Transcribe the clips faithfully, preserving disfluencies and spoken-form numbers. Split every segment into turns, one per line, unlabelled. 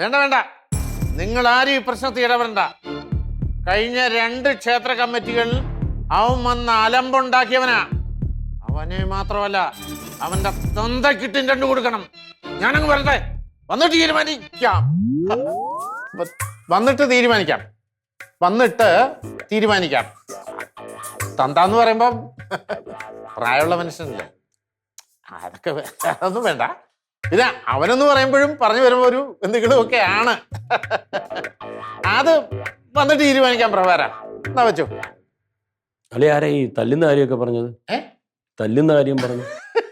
വേണ്ട വേണ്ട, നിങ്ങൾ ആരും ഈ പ്രശ്നത്തിൽ ഇടപെടണ്ട. കഴിഞ്ഞ രണ്ട് ക്ഷേത്ര കമ്മിറ്റികളിൽ അവൻ വന്ന് അലമ്പുണ്ടാക്കിയവനാ. അവനെ മാത്രമല്ല, അവന്റെ തന്തക്കിട്ടും രണ്ടു കൊടുക്കണം. ഞാനങ്ങ് വരട്ടെ, വന്നിട്ട് തീരുമാനിക്കാം. വന്നിട്ട് തീരുമാനിക്കാം വന്നിട്ട് തീരുമാനിക്കാം തന്താന്ന് പറയുമ്പോ പ്രായമുള്ള മനുഷ്യനല്ലേ, അതൊക്കെ അതൊന്നും വേണ്ട. പിന്നെ അവനെന്ന് പറയുമ്പോഴും പറഞ്ഞു വരുമ്പോ ഒരു എന്തെങ്കിലും ഒക്കെ ആണ്. അത് വന്നിട്ട് തീരുമാനിക്കാം. പ്രഭാര എന്നാ വെച്ചു.
അല്ലെ ആരാ ഈ തല്ലുന്ന കാര്യമൊക്കെ പറഞ്ഞത്?
ഏ
തല്ലുന്ന കാര്യം പറഞ്ഞു?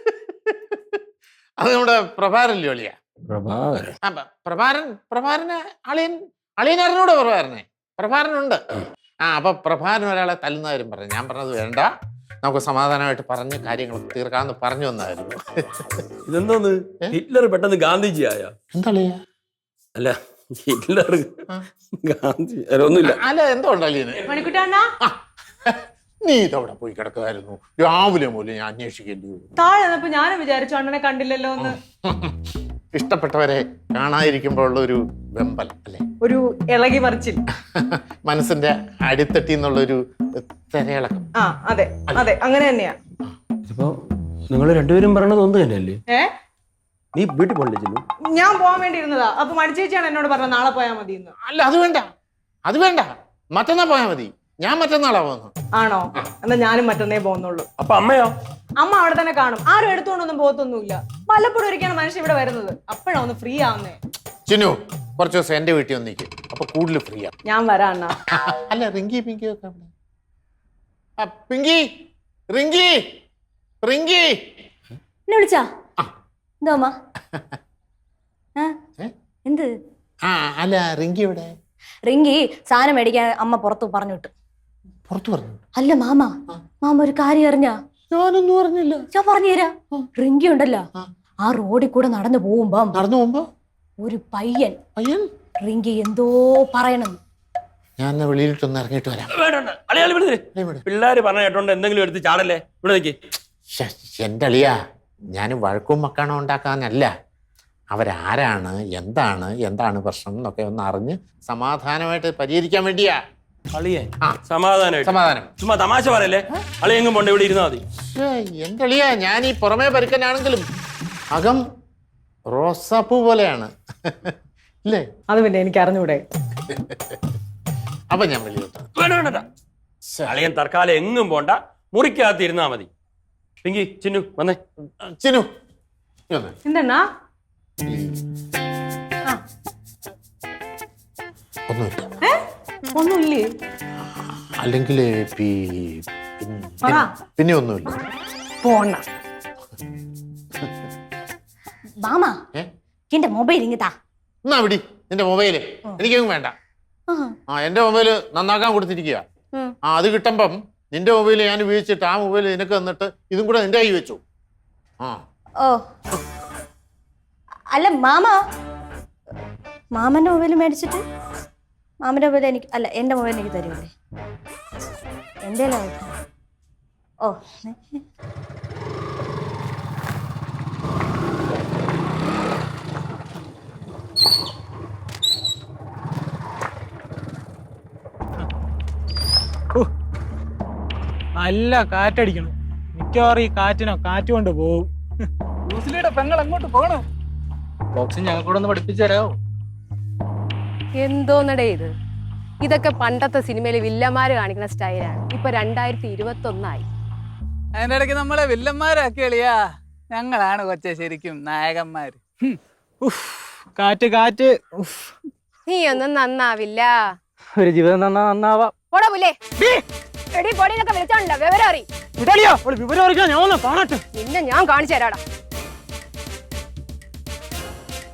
അത് നമ്മുടെ പ്രഭാരല്ലേ ഒളിയ?
പ്രഭാകരൻ.
പ്രഭാരൻ പ്രഭാരന് അളിയൻ അളിയൻ അറിഞ്ഞൂടെ പ്രഭാരനെ? പ്രഭാരനുണ്ട്. ആ അപ്പൊ പ്രഭാരൻ ഒരാളെ തല്ലുന്ന കാര്യം പറഞ്ഞു. ഞാൻ പറഞ്ഞത് വേണ്ട, നമുക്ക് സമാധാനമായിട്ട് പറഞ്ഞ് കാര്യങ്ങൾ തീർക്കാമെന്ന് പറഞ്ഞു വന്നായിരുന്നു.
ഇതെന്തോന്ന് ഹിറ്റ്ലർ പെട്ടെന്ന് ഗാന്ധിജി ആയ?
എന്താ
അല്ല ഹിറ്റ്ലർ ഗാന്ധി ഒന്നുമില്ല.
അല്ല എന്തോ ഉണ്ടല്ലേ നീ ഇതവിടെ പോയി കിടക്കുമായിരുന്നു രാവിലെ മൂലം ഞാൻ അന്വേഷിക്കേണ്ടി വരും.
താഴെ ഞാനും വിചാരിച്ചു അണ്ണനെ കണ്ടില്ലല്ലോ എന്ന്.
ഇഷ്ടപ്പെട്ടവരെ കാണാതിരിക്കുമ്പോൾ ഉള്ള ഒരു വെമ്പൽ അല്ലേ,
ഒരു ഇളകി മറിച്ചിൽ,
മനസ്സിന്റെ അടിത്തട്ടി എന്നുള്ളൊരു തിരയിളക്കം.
ആ അതെ അതെ അങ്ങനെ തന്നെയാ.
ഇപ്പൊ നിങ്ങൾ രണ്ടുപേരും പറയണത് ഒന്ന് തന്നെയല്ലേ?
ഏ
നീ വീട്ടിൽ പോകണ്ടേ?
ഞാൻ പോകാൻ വേണ്ടി ഇരുന്നതാ. അപ്പൊ മടിച്ചേച്ചിയാണ് എന്നോട് പറഞ്ഞത് നാളെ പോയാൽ മതി എന്ന്.
അല്ല അത് വേണ്ട, അത് വേണ്ട, മറ്റന്നാ പോയാ മതി. ഞാൻ മറ്റന്നാളാ പോകുന്നു.
ആണോ? എന്നാ ഞാനും മറ്റന്നേ പോകുന്നുള്ളൂ.
അപ്പൊ അമ്മയോ?
അമ്മ അവിടെ തന്നെ കാണും. ആരും എടുത്തുകൊണ്ടൊന്നും പോകത്തൊന്നുമില്ല. വല്ലപ്പോഴും ഒരിക്കലാണ് മനുഷ്യൻ ഇവിടെ വരുന്നത്. അപ്പോഴാ ഒന്ന് ഫ്രീ ആവുന്നേ.
ചിന്നു കുറച്ച് ദിവസം എന്റെ വീട്ടിൽ വന്നിരിക്കും, അപ്പൊ കൂടുതൽ ഫ്രീ ആ.
ഞാൻ വരാം അണ്ണാ.
അല്ല റിങ്കി പിങ്കി ഒക്കെ അവിടെ. പിങ്കി റിങ്കി റിങ്കി
എന്നെ വിളിച്ചാ? എന്തോ അമ്മ? എന്ത്?
ആ അല്ല റിങ്കി ഇവിടെ.
റിങ്കി സാധനം മേടിക്കാൻ അമ്മ പുറത്തു പറഞ്ഞു വിട്ടു.
പുറത്തു പറഞ്ഞു?
അല്ല മാമ, മാമ ഒരു കാര്യം അറിഞ്ഞാ?
ഞാനൊന്നും അറിഞ്ഞില്ല.
ഞാൻ പറഞ്ഞുതരാ. റിങ്കി ഉണ്ടല്ലോ, ആ റോഡിൽ കൂടെ നടന്നു പോകുമ്പോ
നടന്നു പോകുമ്പോ
ഒരു പയ്യൻ
പയ്യൻ
റിങ്കി എന്തോ പറയണം.
ഞാൻ വെളിയിലിട്ടൊന്ന് ഇറങ്ങിയിട്ട് വരാം.
പിള്ളേര് പറഞ്ഞ കേട്ടോണ്ട് എന്തെങ്കിലും എടുത്ത് ചാടല്ലേ. ഇവിടെ നിൽക്കി.
എന്റെ അളിയാ, ഞാൻ വഴക്കും മക്കാണോ ഉണ്ടാക്കാനല്ല. അവരാരാണ്, എന്താണ് എന്താണ് പ്രശ്നം എന്നൊക്കെ ഒന്ന് അറിഞ്ഞ് സമാധാനമായിട്ട് പരിഹരിക്കാൻ വേണ്ടിയാ.
അളിയെ സമാധാനം
സമാധാനം
ചുമ്മാ തമാശ പറയല്ലേ. അളി എങ്ങും പോണ്ട, ഇവിടെ ഇരുന്നാ മതി.
എന്റെ അളിയാ, ഞാൻ ഈ പുറമേ പരുക്കനാണെങ്കിലും അകം റോസാപ്പൂ പോലെയാണ് ഇല്ലേ?
അത് പിന്നെ എനിക്ക് അറിഞ്ഞൂടെ.
അപ്പൊ ഞാൻ വെളിയിലോട്ട്.
വേണ്ട, അളിയൻ തൽക്കാലം എങ്ങും പോണ്ട, മുറിക്കകത്ത് ഇരുന്നാ മതി. പിങ്കി ചിന്നു വന്നേ.
ചിന്നു
എന്തെണ്ണാ?
ഒന്നുമില്ല.
ഒന്നുമില്ലേ?
അല്ലെങ്കിൽ പിന്നെ ഒന്നുമില്ല.
പോണ
മാമ എന്റെ മൊബൈൽ ഇങ്ങത്താ.
എന്നാ വിടി നിന്റെ മൊബൈല്. എനിക്കൊന്നും വേണ്ട. ആ എന്റെ മൊബൈല് നന്നാക്കാൻ കൊടുത്തിരിക്കുക. ആ അത് കിട്ടുമ്പം നിന്റെ മൊബൈല് ഞാൻ ഉപയോഗിച്ചിട്ട് ആ മൊബൈല് നിനക്ക് തന്നിട്ട് ഇതും കൂടെ നിന്റെ കൈ വെച്ചു. ആ
ഓ അല്ല മാമ, മാമന്റെ മൊബൈൽ മേടിച്ചിട്ട് മാമന്റെ മൊബൈൽ എനിക്ക് അല്ല എന്റെ മൊബൈൽ എനിക്ക് തരുമല്ലേ? എന്റെ ഓ
നല്ല കാറ്റടിക്കണം. മിക്കവാറും ഈ കാറ്റിനോ കാറ്റ് കൊണ്ട് പോവും. ന്യൂസിലയുടെ പെങ്ങൾ എങ്ങോട്ട് പോകണം? ബോക്സിങ് ഞങ്ങൾ കൂടെ ഒന്ന് പഠിപ്പിച്ചു തരാമോ?
എന്തോന്നടേ ഇത്? ഇതൊക്കെ പണ്ടത്തെ സിനിമയിലെ വില്ലന്മാര് കാണിക്കുന്ന സ്റ്റൈലാണ്. ഇപ്പൊ രണ്ടായിരത്തി ഇരുപത്തി ഒന്നായി.
അതിന്റെ ഇടയ്ക്ക് നമ്മളെ വില്ലന്മാരാക്കി എളിയാ. ഞങ്ങളാണ് കൊച്ചെ ശരിക്കും നായകന്മാര്. കാറ്റ് കാറ്റ്.
നീ ഒന്നും നന്നാവില്ല.
ഒരു ജീവിതം നന്നാ നന്നാവാം. വിവരം അറിയിക്കാൻ ഞാൻ ഒന്ന് കാണട്ടെ.
നിന്നെ ഞാൻ കാണിച്ചു തരാടാ.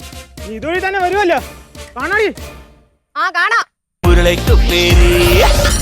ഇതുവഴി തന്നെ വരുമല്ലോ, കാണാടി.
ആ കാണാം.